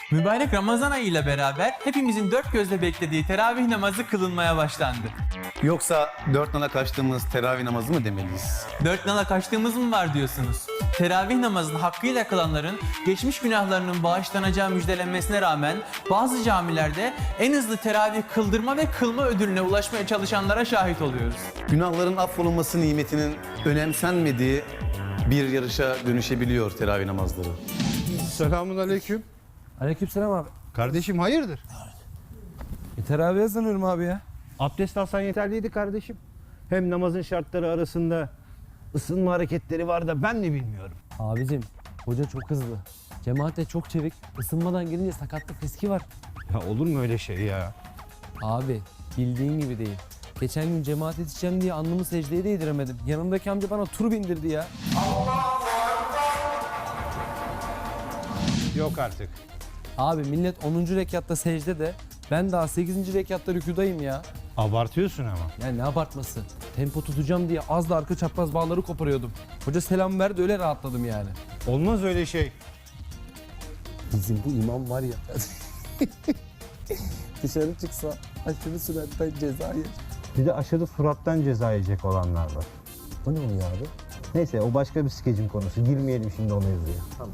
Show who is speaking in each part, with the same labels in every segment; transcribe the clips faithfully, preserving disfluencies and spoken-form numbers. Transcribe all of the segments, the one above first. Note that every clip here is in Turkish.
Speaker 1: Mübarek Ramazan ayı ile beraber hepimizin dört gözle beklediği teravih namazı kılınmaya başlandı.
Speaker 2: Yoksa dört nala kaçtığımız teravih namazı mı demeliyiz?
Speaker 1: Dört nala kaçtığımız mı var diyorsunuz? Teravih namazını hakkıyla kılanların geçmiş günahlarının bağışlanacağı müjdelenmesine rağmen bazı camilerde en hızlı teravih kıldırma ve kılma ödülüne ulaşmaya çalışanlara şahit oluyoruz.
Speaker 2: Günahların affolunması nimetinin önemsenmediği bir yarışa dönüşebiliyor teravih namazları.
Speaker 3: Selamun aleyküm.
Speaker 4: Aleykümselam abi.
Speaker 3: Kardeşim hayırdır?
Speaker 4: E, teravihe sanıyorum abi ya.
Speaker 3: Abdest alsan yeterliydi kardeşim. Hem namazın şartları arasında ısınma hareketleri var da ben de bilmiyorum.
Speaker 4: Abicim hoca çok hızlı. Cemaat de çok çevik. Isınmadan gelince sakatlık riski var.
Speaker 3: Ya olur mu öyle şey ya?
Speaker 4: Abi bildiğin gibi değil. Geçen gün cemaat yetişeceğim diye alnımı secdeye değdiremedim. Yanımdaki amca bana tur bindirdi ya.
Speaker 3: Yok artık.
Speaker 4: Abi millet onuncu rekatta secdede. Ben daha sekizinci rekatta rükudayım ya.
Speaker 3: Abartıyorsun ama.
Speaker 4: Ya ne abartması. Tempo tutacağım diye az da arka çapraz bağları koparıyordum. Hoca selam verdi öyle rahatladım yani.
Speaker 3: Olmaz öyle şey.
Speaker 4: Bizim bu imam var ya. Dışarı çıksa aşırı süratten ceza yer.
Speaker 3: Bir de aşırı surattan ceza yiyecek olanlar var.
Speaker 4: O ne oluyor abi?
Speaker 3: Neyse o başka bir skecin konusu. Girmeyelim şimdi o mevzuya.
Speaker 4: Tamam.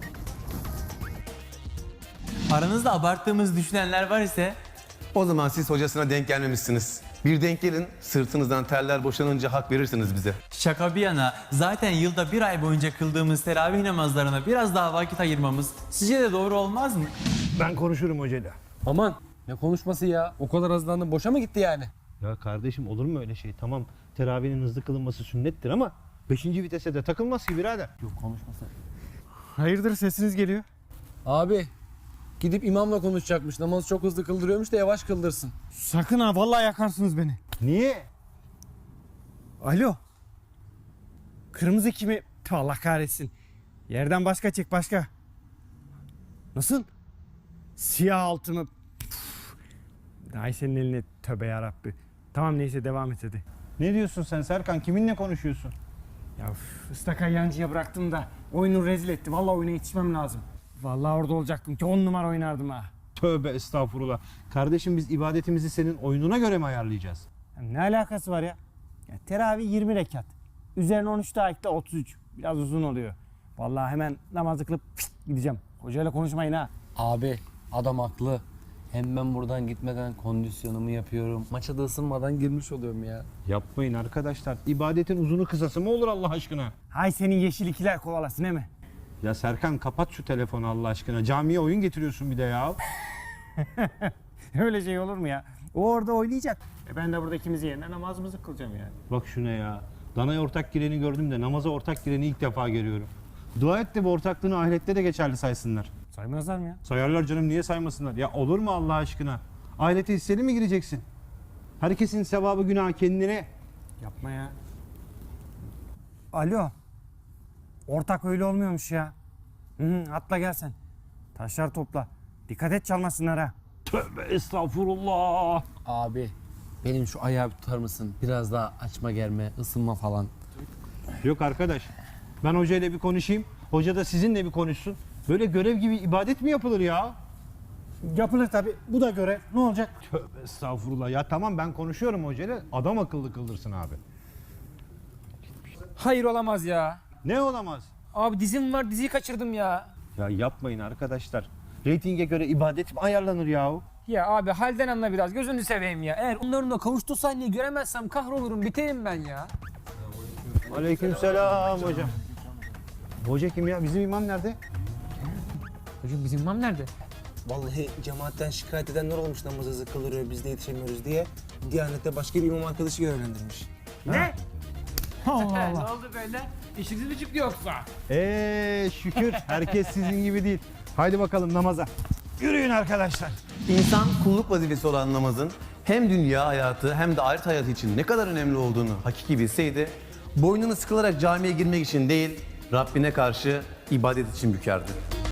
Speaker 1: Aranızda abarttığımız düşünenler var ise
Speaker 2: O zaman siz hocasına denk gelmemişsiniz. Bir denk gelin, sırtınızdan terler boşanınca hak verirsiniz bize.
Speaker 1: şaka bir yana zaten yılda bir ay boyunca kıldığımız teravih namazlarına biraz daha vakit ayırmamız sizce de doğru olmaz mı?
Speaker 3: Ben konuşurum hocayla.
Speaker 4: Aman ne konuşması ya? O kadar hızlandın boşa mı gitti yani?
Speaker 3: Ya kardeşim olur mu öyle şey? Tamam teravihinin hızlı kılınması sünnettir ama beşinci vitese de takılmaz ki birader.
Speaker 4: Yok konuşması.
Speaker 5: Hayırdır sesiniz geliyor?
Speaker 4: Abi gidip imamla konuşacakmış. Namazı çok hızlı kıldırıyormuş da yavaş kıldırsın.
Speaker 5: Sakın ha vallahi yakarsınız beni.
Speaker 3: Niye?
Speaker 5: Alo. Kırmızı kimi? Tüh, Allah kahretsin. Yerden başka çek başka. Nasıl? Siyah altı mı? Püf. Ay senin eline tövbe yarabbi. Tamam neyse devam et hadi.
Speaker 3: Ne diyorsun sen Serkan? Kiminle konuşuyorsun?
Speaker 5: Ya üf, ıstaka yancıya bıraktım da oyunu rezil etti. Vallahi oyuna yetişmem lazım. Vallahi orada olacaktım ki on numara oynardım ha.
Speaker 3: Tövbe estağfurullah. Kardeşim biz ibadetimizi senin oyununa göre mi ayarlayacağız?
Speaker 5: Ya ne alakası var ya? Ya teravih yirmi rekat. Üzerine on üç daha ekle otuz üç. Biraz uzun oluyor. Vallahi hemen namazı kılıp pişt gideceğim. Hocayla konuşmayın ha.
Speaker 4: Abi adam haklı. Hem ben buradan gitmeden kondisyonumu yapıyorum. Maça da ısınmadan girmiş oluyorum ya.
Speaker 3: Yapmayın arkadaşlar. İbadetin uzunu kısası mı olur Allah aşkına?
Speaker 5: Hay senin yeşil ikiler kovalasın değil mi?
Speaker 3: Ya Serkan kapat şu telefonu Allah aşkına. Camiye oyun getiriyorsun bir de ya.
Speaker 5: Öyle şey olur mu ya? O orada oynayacak. E ben de burada ikimizin yerine namazımızı kılacağım yani.
Speaker 3: Bak şuna ya. Danaya ortak gireni gördüm de namaza ortak gireni ilk defa görüyorum. Dua et de bu ortaklığını ahirette de geçerli saysınlar.
Speaker 5: Saymazlar mı ya?
Speaker 3: Sayarlar canım niye saymasınlar? Ya olur mu Allah aşkına? Ahirete hisseli mi gireceksin? Herkesin sevabı günahı kendine.
Speaker 5: Yapma ya. Alo. Ortak öyle olmuyormuş ya. Hı hı, atla gel sen. Taşlar topla. Dikkat et çalmasınlar ha.
Speaker 3: Tövbe estağfurullah.
Speaker 4: Abi benim şu ayağı bir tutar mısın? Biraz daha açma germe, ısınma falan.
Speaker 3: Yok arkadaş. Ben hocayla bir konuşayım. Hoca da sizinle bir konuşsun. Böyle görev gibi ibadet mi yapılır ya?
Speaker 5: Yapılır tabii. Bu da görev. Ne olacak?
Speaker 3: Tövbe estağfurullah. Ya tamam ben konuşuyorum hocayla. Adam akıllı kıldırsın abi.
Speaker 6: Hayır olamaz ya.
Speaker 3: Ne olamaz?
Speaker 6: Abi dizim var diziyi kaçırdım ya.
Speaker 3: Ya yapmayın arkadaşlar. Reytinge göre ibadet mi ayarlanır yahu?
Speaker 6: Ya abi halden anla biraz gözünü seveyim ya. Eğer onların da kavuştuğu sahneyi göremezsem kahrolurum biterim ben ya.
Speaker 3: Aleykümselam hocam. Hoca kim ya? Bizim imam nerede?
Speaker 6: Hocam bizim imam nerede?
Speaker 7: Vallahi cemaatten şikayet edenler olmuş namaz hızlı kılıyor biz de yetişemiyoruz diye. Diyanette başka bir imam arkadaşı görevlendirmiş.
Speaker 6: ne oldu böyle? İşiniz mi çıktı yoksa?
Speaker 3: Eee şükür herkes sizin gibi değil. Haydi bakalım namaza. Yürüyün arkadaşlar.
Speaker 2: İnsan kulluk vazifesi olan namazın hem dünya hayatı hem de ahiret hayatı için ne kadar önemli olduğunu hakiki bilseydi, boynunu sıkılarak camiye girmek için değil, Rabbine karşı ibadet için bükerdi.